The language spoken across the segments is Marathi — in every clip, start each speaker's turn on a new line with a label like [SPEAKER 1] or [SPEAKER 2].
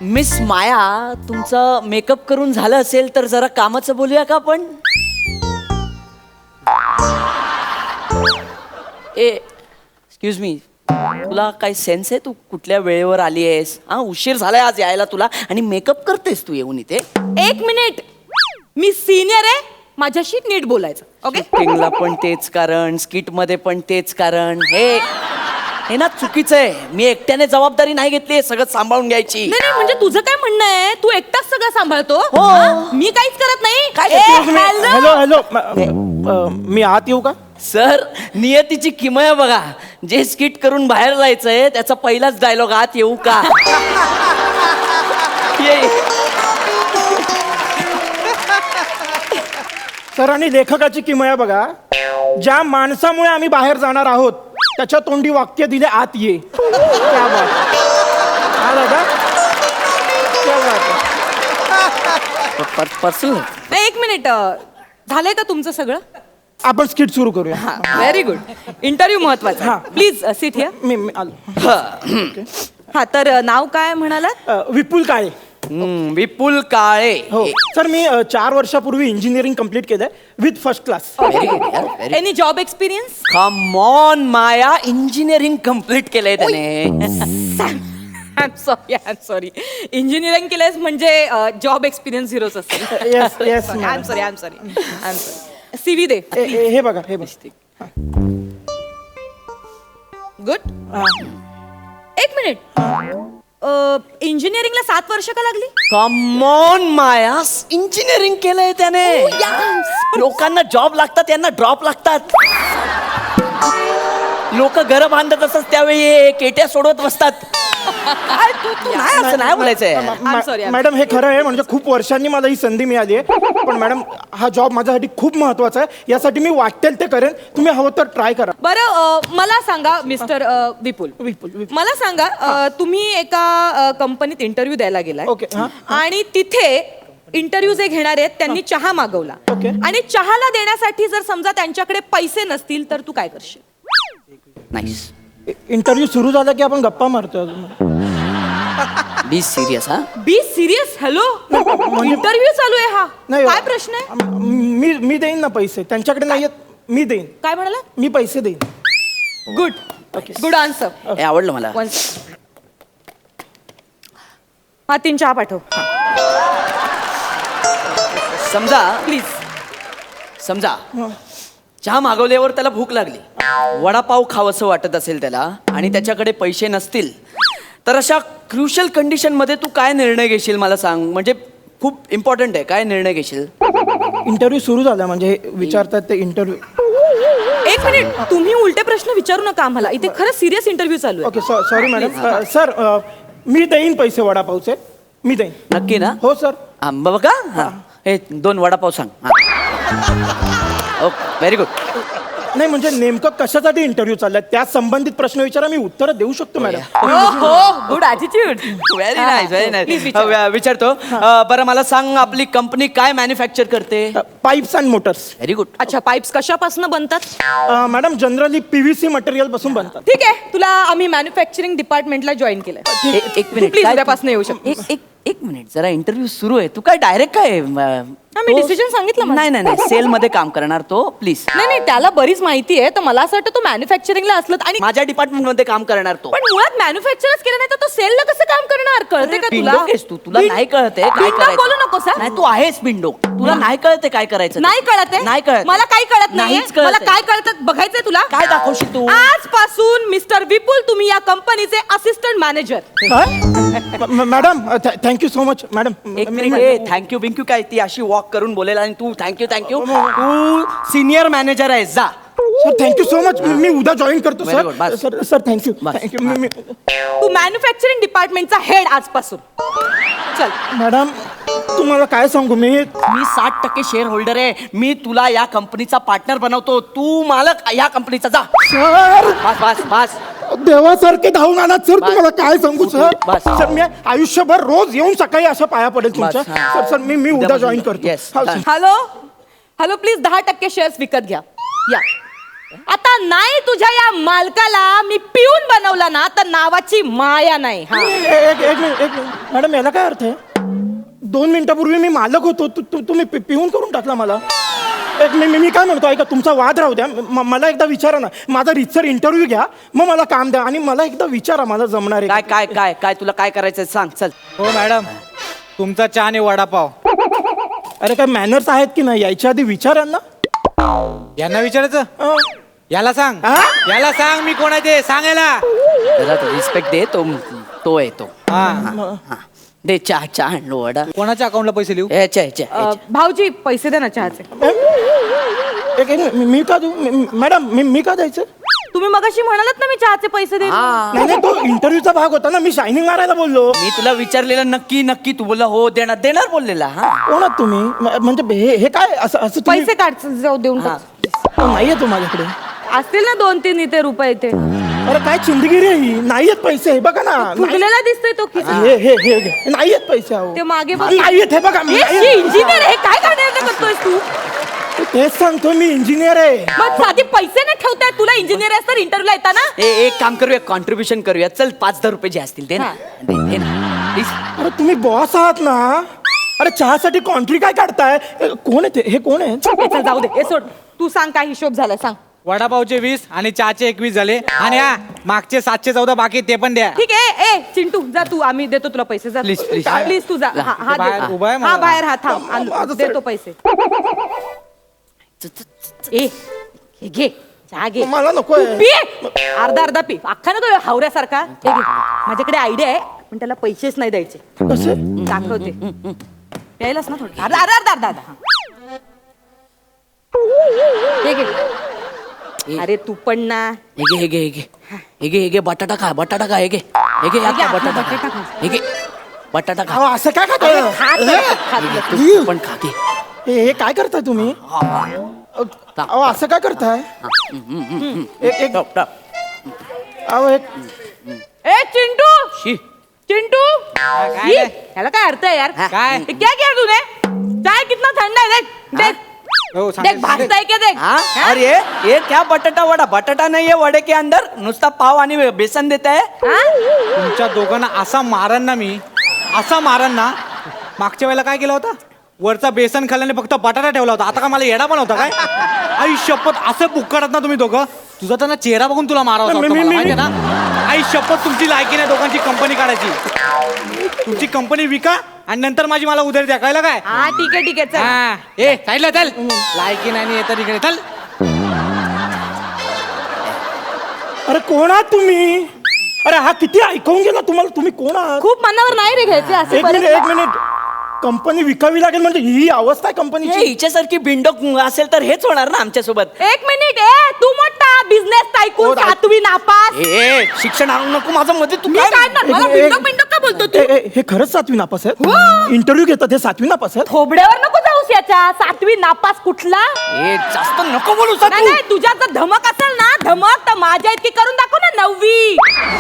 [SPEAKER 1] मिस माया, तुमचं मेकअप करून झालं असेल तर जरा कामाचं बोलूया का आपण? एक्सक्यूज मी, तुला काही सेन्स आहे? तू कुठल्या वेळेवर आली आहेस? हा, उशीर झालाय आज यायला तुला आणि मेकअप करतेस तू येऊन इथे.
[SPEAKER 2] एक मिनिट, मी सिनियर आहे, माझ्याशी नीट बोलायचं. ओके,
[SPEAKER 1] शूटिंगला पण तेच कारण, स्किट मध्ये पण तेच कारण. हे ना चुकीचं आहे. मी एकट्याने जबाबदारी नाही घेतली, सगळं सांभाळून घ्यायची.
[SPEAKER 2] नाही नाही, म्हणजे तुझं काय म्हणणं आहे? तू एकटाच सगळं सांभाळतो?
[SPEAKER 1] हो.
[SPEAKER 2] हा? मी काहीच करत नाही.
[SPEAKER 1] काय
[SPEAKER 2] ए,
[SPEAKER 1] करतोस?
[SPEAKER 2] hello.
[SPEAKER 3] हॅलो हॅलो, मी आत येऊ का?
[SPEAKER 1] सर, नियतीची किमया बघा. जे स्किट करून बाहेर जायचंय त्याचा पहिलाच डायलॉग, आत येऊ का? ये.
[SPEAKER 3] सर, आणि लेखकाची किमया बघा. ज्या माणसामुळे आम्ही बाहेर जाणार आहोत त्याच्या तोंडी वाक्य दिले, आत ये. क्या बात है. हा दादा, क्या बात है.
[SPEAKER 1] पर्सनल.
[SPEAKER 2] नाही, एक मिनिट, झालंय का तुमचं सगळं?
[SPEAKER 3] आपण स्किट सुरू करूया.
[SPEAKER 2] Very good. इंटरव्ह्यू महत्वाचा.
[SPEAKER 3] हा.
[SPEAKER 2] Please sit here.
[SPEAKER 3] मी आलो.
[SPEAKER 2] हा, तर नाव काय म्हणालात?
[SPEAKER 3] विपुल काळे.
[SPEAKER 1] विपुल काळे.
[SPEAKER 3] हो सर, मी 4 वर्षापूर्वी इंजिनिअरिंग कम्प्लीट केलंय with first class.
[SPEAKER 1] Very good यार, very.
[SPEAKER 2] Any job experience?
[SPEAKER 1] Come on Maya, engineering complete केलंय त्याने.
[SPEAKER 2] I am sorry. इंजिनिअरिंग केलंयस म्हणजे जॉब एक्सपिरियन्स झिरोच असेल.
[SPEAKER 3] Yes, yes,
[SPEAKER 2] I am sorry. CV दे.
[SPEAKER 3] हे बघा, हे बघ.
[SPEAKER 2] गुड. एक मिनिट, इंजिनिअरिंगला 7 वर्ष का लागली?
[SPEAKER 1] कम ऑन माया, इंजिनिअरिंग केलंय त्याने. लोकांना जॉब लागतात, यांना ड्रॉप लागतात. लोक घर बांधत असतात त्यावेळी हे केट्या सोडवत बसतात. काय तू नाही असं नाही बोलायचंय.
[SPEAKER 2] I'm sorry.
[SPEAKER 3] मॅडम, हे खरं आहे. म्हणजे खूप वर्षांनी मला ही संधी मिळाली आहे. पण मॅडम, हा जॉब माझ्यासाठी खूप महत्वाचा आहे. यासाठी मी वाटेल ते करेन. तुम्ही हवं तर ट्राय करा.
[SPEAKER 2] बरं, मला सांगा मिस्टर विपुल, मला सांगा, तुम्ही एका कंपनीत इंटरव्ह्यू द्यायला गेलाय.
[SPEAKER 3] ओके, हा.
[SPEAKER 2] आणि तिथे इंटरव्ह्यू जे घेणार आहेत त्यांनी चहा मागवला.
[SPEAKER 3] ओके.
[SPEAKER 2] आणि चहाला देण्यासाठी जर समजा त्यांच्याकडे पैसे नसतील तर तू काय करशील?
[SPEAKER 1] नाईस.
[SPEAKER 3] इंटरव्ह्यू सुरू झाला की आपण गप्पा मारतो.
[SPEAKER 1] Be serious. हा,
[SPEAKER 2] बी सिरियस. हॅलो, इंटरव्ह्यू चालू आहे हा.
[SPEAKER 3] नाही,
[SPEAKER 2] काय प्रश्न आहे?
[SPEAKER 3] मी देईन ना पैसे. त्यांच्याकडे नाही आहेत, मी देईन.
[SPEAKER 2] काय म्हणाला?
[SPEAKER 3] मी पैसे देईन.
[SPEAKER 2] Good answer.
[SPEAKER 1] हे आवडलं मला.
[SPEAKER 2] हा, 3 चहा पाठव
[SPEAKER 1] समजा
[SPEAKER 2] प्लीज.
[SPEAKER 1] समजा चहा मागवल्यावर त्याला भूक लागली, वडापाव खावंसं वाटत असेल त्याला, आणि त्याच्याकडे पैसे नसतील, तर अशा क्रुशल कंडिशन मध्ये तू काय निर्णय घेशील मला सांग. म्हणजे खूप इम्पॉर्टंट आहे, काय निर्णय घेशील?
[SPEAKER 3] इंटरव्ह्यू सुरू झाला म्हणजे विचारतात ते इंटरव्ह्यू.
[SPEAKER 2] एक मिनिट, तुम्ही उलटे प्रश्न विचारू नका आम्हाला. इथे खरं सिरियस इंटरव्ह्यू चालू आहे.
[SPEAKER 3] Okay, sorry madam. सर, मी देईन पैसे वडापावचे. मी देईन.
[SPEAKER 1] नक्की ना?
[SPEAKER 3] हो सर.
[SPEAKER 1] आंबा बघा. हा, हे 2 वडापाव सांग. Okay, very good.
[SPEAKER 3] नाही, म्हणजे नेमकं कशासाठी इंटरव्ह्यू चाललाय त्या संबंधित प्रश्न विचारा, मी उत्तर देऊ शकतो मॅडम.
[SPEAKER 2] हो, good attitude.
[SPEAKER 1] Very nice, very nice. विचारतो. बरं, मला सांग, आपली कंपनी काय मॅन्युफॅक्चर करते?
[SPEAKER 3] Pipes and motors.
[SPEAKER 1] Very good.
[SPEAKER 2] अच्छा, पाईप्स कशापासून बनतात?
[SPEAKER 3] मॅडम, जनरली PVC मटेरियल पासून बनतात.
[SPEAKER 2] ठीक आहे, तुला आम्ही मॅन्युफॅक्चरिंग डिपार्टमेंटला जॉईन केलंय.
[SPEAKER 1] एक मिनिट,
[SPEAKER 2] प्लीज
[SPEAKER 1] काय
[SPEAKER 2] उद्यापासून येऊ शकतो.
[SPEAKER 1] एक मिनिट, जरा इंटरव्ह्यू सुरू आहे. तू काय डायरेक्ट काय?
[SPEAKER 2] मी डिसिजन सांगितलं माझं.
[SPEAKER 1] नाही नाही नाही, सेल मध्ये काम करणार तो. प्लीज.
[SPEAKER 2] नाही, त्याला बरीच माहिती आहे, तर मला असं वाटतं तो मॅन्युफॅक्चरिंगला असलं आणि
[SPEAKER 1] माझ्या डिपार्टमेंट मध्ये काम करणार तो.
[SPEAKER 2] पण मुळात मॅन्युफॅक्चरच केलं नाही तर तो सेलला कसं काम करणार? कळते का तुला?
[SPEAKER 1] बिंडोक आहेस तू, तुला नाही कळते काय
[SPEAKER 2] बिंडोक
[SPEAKER 1] करायचं.
[SPEAKER 2] बोलू नकोस हा.
[SPEAKER 1] नाही, तू आहेस बिंडोक, तुला नाही कळते काय करायचं.
[SPEAKER 2] नाही कळत आहे?
[SPEAKER 1] नाही कळत.
[SPEAKER 2] मला काही कळत नाही.
[SPEAKER 1] नाहीच कळत
[SPEAKER 2] मला
[SPEAKER 1] आहे.
[SPEAKER 2] काय कळतं बघायचंय तुला.
[SPEAKER 1] काय दाखवशील तू?
[SPEAKER 2] आजपासून मिस्टर विपुल तुम्ही या कंपनीचे assistant manager.
[SPEAKER 3] Madam, thank you so much madam.
[SPEAKER 1] एक मिनिट, थँक्यू बिंक्यू काय? ती अशी वॉक करून बोलेल आणि तू थँक्यू तू सिनियर मॅनेजर आहेस, जा.
[SPEAKER 3] Sir, thank you so much. मी उद्या जॉईन करतो
[SPEAKER 1] Very good, बस.
[SPEAKER 3] सर. Sir, thank you.
[SPEAKER 1] बस.
[SPEAKER 3] थँक्यू.
[SPEAKER 2] तू मॅन्युफॅक्चरिंग डिपार्टमेंटचा हेड आजपासून. चल.
[SPEAKER 3] मॅडम, तुम्हाला काय सांगू मी
[SPEAKER 1] 60% शेअर होल्डर आहे. मी तुला या कंपनीचा पार्टनर बनवतो. तू मालक या कंपनीचा, जा.
[SPEAKER 3] सर,
[SPEAKER 1] बस बस बस.
[SPEAKER 3] देवासारखे धावून आणत सर. तुम्हाला काय सांगू सर.
[SPEAKER 1] बस.
[SPEAKER 3] सर, मी आयुष्यभर रोज येऊन सकाळी अशा पाया पडेल तुमच्या.
[SPEAKER 1] हा.
[SPEAKER 3] सर, मी उद्या जॉईन करतो.
[SPEAKER 1] Yes.
[SPEAKER 3] हा, सर.
[SPEAKER 2] हॅलो, प्लीज 10% शेअर्स विकत घ्या. या. आता नाही तुझ्या या मालकाला मी पिऊन बनवला ना तर नावाची माया नाही हा.
[SPEAKER 3] एक मिनिट मॅडम, याला काय अर्थ आहे? 2 मिनिटापूर्वी मी मालक होतो, तुम्ही पिऊन करून टाकला मला. मी काय म्हणतो, ऐका, तुमचा वाद राहू द्या. मला एकदा विचारा ना, माझा रितसर इंटरव्ह्यू घ्या, मग मला काम द्या आणि मला एकदा विचारा, मला जमणार
[SPEAKER 1] काय
[SPEAKER 3] आहे.
[SPEAKER 1] काय काय काय तुला काय करायचं सांग चल.
[SPEAKER 4] हो मॅडम, तुमचा चहा आणि वडापाव.
[SPEAKER 3] अरे काय मॅनर्स आहेत की नाही याच्या आधी विचारा ना.
[SPEAKER 4] यांना विचारायचं?
[SPEAKER 3] अं,
[SPEAKER 4] याला सांग.
[SPEAKER 3] हा?
[SPEAKER 4] याला सांग मी कोण आहे ते, सांगायला.
[SPEAKER 1] त्याला रिस्पेक्ट दे, तो आहे तो.
[SPEAKER 4] हा.
[SPEAKER 1] हा. दे चहा चहा आणलो वडा.
[SPEAKER 4] कोणाच्या अकाउंटला पैसे लिहू?
[SPEAKER 1] याच्या
[SPEAKER 2] भाऊजी पैसे दे ना चहाचे.
[SPEAKER 3] मी का देऊ? मॅडम, मी का द्यायचं?
[SPEAKER 2] तुम्ही मगाशी म्हणालात ना मी चहाचे पैसे दे.
[SPEAKER 3] नाही, तो इंटरव्ह्यूचा भाग होता ना, मी शायनिंग मारायला बोललो.
[SPEAKER 1] मी तुला विचारलेलं नक्की नक्की तू बोलला हो देणार देणार बोललेला. हा
[SPEAKER 3] कोण आहात तुम्ही? म्हणजे हे काय असं असं तुम्ही-
[SPEAKER 2] पैसे काढ जाऊ देऊन
[SPEAKER 1] हा.
[SPEAKER 2] टाक.
[SPEAKER 3] नाहीये तो माझ्याकडे.
[SPEAKER 2] असतील ना 2-3 इथे रुपये इथे.
[SPEAKER 3] अरे काय चिंदगिरी आहे ही? नाहीयेत पैसे, हे बघा ना.
[SPEAKER 2] फुगलेला दिसतोय तो की
[SPEAKER 3] हे नाहीयेत पैसे, अहो.
[SPEAKER 2] ते मागे बघ.
[SPEAKER 3] नाहीयेत, हे बघा.
[SPEAKER 2] इंजिनियर हे काय करण्याचं करतोयस तू?
[SPEAKER 3] तेच सांगतो, मी इंजिनियर आहे.
[SPEAKER 2] मग साधी पैसे नाही ठेवताय तुला इंजिनियर आहेस तर इंटरव्ह्यूला येता ना.
[SPEAKER 1] एक काम करूया, कॉन्ट्रीब्युशन करूया. चल 5,000 रुपये जे असतील ते ना
[SPEAKER 2] हा.
[SPEAKER 1] दे ना प्लीज.
[SPEAKER 3] अरे तुम्ही बॉस आहात ना. अरे चहासाठी कॉन्ट्री काय काढताय? कोण आहे ते? हे कोण आहे?
[SPEAKER 2] हे चल जाऊ दे हे सोड. तू सांग काय हिशोब झाला सांग.
[SPEAKER 4] वडापावचे 20 आणि चहाचे 21 झाले. आणि हा मागचे 714 बाकी ते पण द्या.
[SPEAKER 2] ठीक आहे. ए चिंटू जा तू, आम्ही देतो तुला पैसे. जा
[SPEAKER 1] Please, please.
[SPEAKER 2] प्लीज तू जा. हा
[SPEAKER 4] बाहेर
[SPEAKER 2] दे.
[SPEAKER 4] उभा आहे
[SPEAKER 2] हा
[SPEAKER 4] मला.
[SPEAKER 2] बाहेर हा थांब
[SPEAKER 3] माझं
[SPEAKER 2] आणू,
[SPEAKER 3] सर-
[SPEAKER 2] देतो पैसे. ए हे घे चहा घे.
[SPEAKER 3] मला नको
[SPEAKER 2] तू
[SPEAKER 3] आहे.
[SPEAKER 2] पी अर्धा अर्धा पी. अख्खा ना तो हावऱ्यासारखा. हे घे. माझ्याकडे आयडिया आहे पण त्याला पैसेच नाही द्यायचे.
[SPEAKER 3] कसे?
[SPEAKER 2] दाखवते. प्यायलाच ना थोडं. अर्धा अर्धा अर्धा अर्धा अर्धा हा. हे घे. अरे तू पण ना.
[SPEAKER 1] हे घे बटाटा खा हे घे आता बटाटा खा. हे घे बटाटा खा.
[SPEAKER 3] अहो, असं काय खाताय?
[SPEAKER 1] तू पण खा घे.
[SPEAKER 3] हे काय करताय तुम्ही? अहो, असं काय करताय? एक
[SPEAKER 1] टप, टप.
[SPEAKER 3] अहो, एक
[SPEAKER 2] ए चिंटू
[SPEAKER 1] शी.
[SPEAKER 2] चिंटू
[SPEAKER 4] काय?
[SPEAKER 2] ये, ह्याला काय अर्थ आहे यार?
[SPEAKER 4] काय?
[SPEAKER 2] ये क्या किया तूने? चाय कितना ठंडा है देख देख
[SPEAKER 4] हो,
[SPEAKER 2] देख
[SPEAKER 4] सांगायचं.
[SPEAKER 2] भाजता है क्या देख.
[SPEAKER 1] हाँ
[SPEAKER 2] हाँ?
[SPEAKER 1] और ये क्या बटाटा वड़ा? बटाटा नहीं है वड़े के अंदर, नुसता पाव आणि बेसन देता है.
[SPEAKER 2] हाँ?
[SPEAKER 4] तुमच्या दोघांना असा मारन ना मी, असा मारन ना. मागच्या वेळेला काय केलं होतं? वरचा बेसन खाल्ल्याने फक्त बटाटा ठेवला होता. आता का मला येडा पण होता काय? आई शपथ, असं बुक्कडत ना तुम्ही दोघं. तुझा तर ना चेहरा बघून तुला मारावं असं वाटतं मला, माहितीये ना. आई शपथ, तुमची लायकी नाही दोघांची कंपनी काढायची. तुमची कंपनी विका आणि नंतर मला उधारी द्या, कळलं काय?
[SPEAKER 2] हाँ ठीक है चल.
[SPEAKER 4] हा, ए साईडला चल. लायकी नाही येतं तिकडे चल.
[SPEAKER 3] अरे कोण आहात तुम्ही? अरे हा किती ऐकून गेला तुम्हाला? तुम्ही कोण आहात?
[SPEAKER 2] खूप मनावर नाही रे घ्यायचे असे
[SPEAKER 3] एक मिनिट,
[SPEAKER 2] बरेच.
[SPEAKER 3] एक मिनिट. कंपनी विकावी लागेल म्हणजे ही अवस्था आहे कंपनीची?
[SPEAKER 1] हिच्यासारखी बिंडोक असेल तर हेच होणार ना आमच्या सोबत.
[SPEAKER 2] एक मिनिट ए तू मोठा बिझनेस
[SPEAKER 3] हो,
[SPEAKER 2] टायकून
[SPEAKER 3] राईट.
[SPEAKER 2] 7वी नापास.
[SPEAKER 1] ए शिक्षण आणू नको माझं मध्ये. तू
[SPEAKER 2] मी
[SPEAKER 1] काय
[SPEAKER 2] काढणार मला
[SPEAKER 3] एक-
[SPEAKER 2] बिंडोक बिंडोक का बोलतो तू?
[SPEAKER 3] हे खरंच 7वी नापास आहेत?
[SPEAKER 2] हो.
[SPEAKER 3] इंटरव्ह्यू घेतात हे 7वी नापास आहेत?
[SPEAKER 2] थोबड्यावर नको जाऊस याच्या. 7वी नापास कुठला?
[SPEAKER 1] ए जास्त नको बोलू
[SPEAKER 2] नाही नाही तुझ्यात जर धमक असेल ना धमक तर माझ्या इतकी करून दाखव ना 9वी.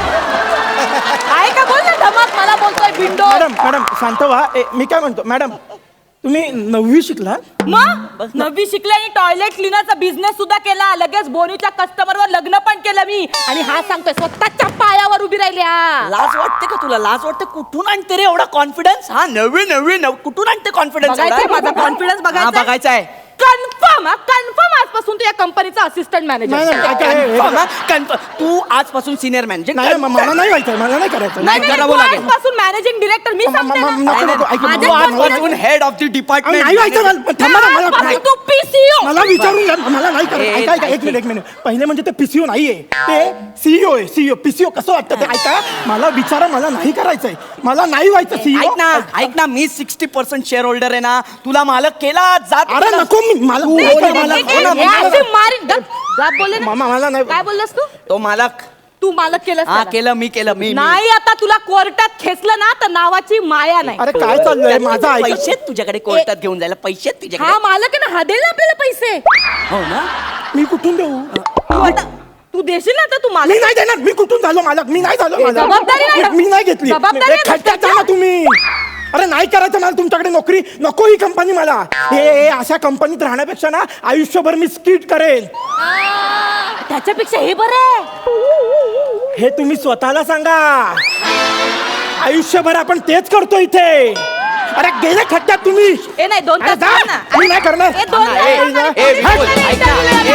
[SPEAKER 2] आहे का बोल ना धमक. मला बोलतोय बिंडो.
[SPEAKER 3] मॅडम मॅडम शांत व्हा. मी काय म्हणतो, मॅडम तुम्ही 9वी शिकला?
[SPEAKER 2] मग 9वी शिकले आणि टॉयलेट क्लिनरचा बिझनेस सुद्धा केला. लगेच बोनीच्या कस्टमरवर लग्न पण केलं मी. आणि हा सांगतोय स्वतःच्या पायावर उभी राहिल्या.
[SPEAKER 1] लाज वाटते का तुला? लाज वाटते? कुठून आणते रे एवढा कॉन्फिडन्स? हा नवी कुठून आणते कॉन्फिडन्स?
[SPEAKER 2] बघायचंय माझा confidence बघायचाय?
[SPEAKER 1] बघायचा आहे.
[SPEAKER 2] कन्फर्म आजपासून तू या कंपनीचा असिस्टंट
[SPEAKER 3] नाही,
[SPEAKER 2] मॅनेजर.
[SPEAKER 3] नाही, काय- हे-
[SPEAKER 1] Confirm. तू आजपासून सिनियर मॅनेजर.
[SPEAKER 3] नाही मला नाही व्हायचं, मला नाही करायचं.
[SPEAKER 2] नाही नाही
[SPEAKER 1] करावं
[SPEAKER 2] तू
[SPEAKER 1] लागेल.
[SPEAKER 2] आजपासून मॅनेजिंग डिरेक्टर मी सांगते ना.
[SPEAKER 3] नको, नको, ऐक,
[SPEAKER 2] माझ्या
[SPEAKER 3] नको,
[SPEAKER 1] आजपासून हेड ऑफ द
[SPEAKER 3] अहो,
[SPEAKER 1] डिपार्टमेंट.
[SPEAKER 3] नाही व्हायचं मला. थांबा ना,
[SPEAKER 2] आजपासून
[SPEAKER 3] मला
[SPEAKER 2] तू PCO.
[SPEAKER 3] मला विचारून घ्या, मला नाही करायचं.
[SPEAKER 1] ए,
[SPEAKER 3] ऐका ऐका, एक मिनिट एक मिनिट. पहिले म्हणजे ते पीसीओ नाहीये, ते सीईओ आहे. सीईओ पीसीओ कसं वाटतं ते ऐका. मला विचारा, मला नाही करायचंय. मला नाही व्हायचं सीईओ.
[SPEAKER 1] ऐक ना मी 60% शेअर होल्डर आहे ना. तुला मालक केला जात.
[SPEAKER 3] अरे नको, मला
[SPEAKER 2] हे असे मारीन. गप बोलले ना.
[SPEAKER 3] मला नाही.
[SPEAKER 2] काय बोललास तू?
[SPEAKER 1] तो मालक.
[SPEAKER 2] तू मालक केलंस
[SPEAKER 1] हा
[SPEAKER 2] त्याला.
[SPEAKER 1] केलं मी.
[SPEAKER 2] नाही आता तुला कोर्टात खेचलं ना तर नावाची माया नाही.
[SPEAKER 3] अरे काय चाललंय माझं ऐका.
[SPEAKER 1] पैसे तुझ्याकडे कोर्टात घेऊन जायला पैसे तुझ्याकडे.
[SPEAKER 2] हा मालक आहे ना हा देईल ना आपल्याला पैसे.
[SPEAKER 1] हो ना.
[SPEAKER 3] मी कुठून देऊ?
[SPEAKER 2] तू देशील ना आता तू
[SPEAKER 3] मी
[SPEAKER 2] मालक.
[SPEAKER 3] नाही देणार. मी कुठून झालो मालक? मी नाही झालो मालक.
[SPEAKER 2] जबाबदारी नाही.
[SPEAKER 3] मी नाही घेतली.
[SPEAKER 2] जबाबदारी
[SPEAKER 3] ए, खड्ड्यात जा ना तुम्ही. अरे नाही करायचं मला तुमच्याकडे नोकरी. नको ही कंपनी मला. हे अशा कंपनीत राहण्यापेक्षा ना आयुष्यभर मी स्किट करेन.
[SPEAKER 2] ह्याच्यापेक्षा हे बरं आहे.
[SPEAKER 3] हे तुम्ही स्वतःला सांगा. आयुष्यभर आपण तेच करतो इथे. अरे गेले खड्ड्यात तुम्ही.
[SPEAKER 2] ए नाही 2
[SPEAKER 3] अरे
[SPEAKER 2] तास
[SPEAKER 3] जा.
[SPEAKER 2] थांब ना.
[SPEAKER 3] मी नाही करणार.
[SPEAKER 2] ए, 2
[SPEAKER 1] ए,
[SPEAKER 2] तास
[SPEAKER 1] ए,
[SPEAKER 2] थांब ना.
[SPEAKER 1] विपुल, ऐक ना.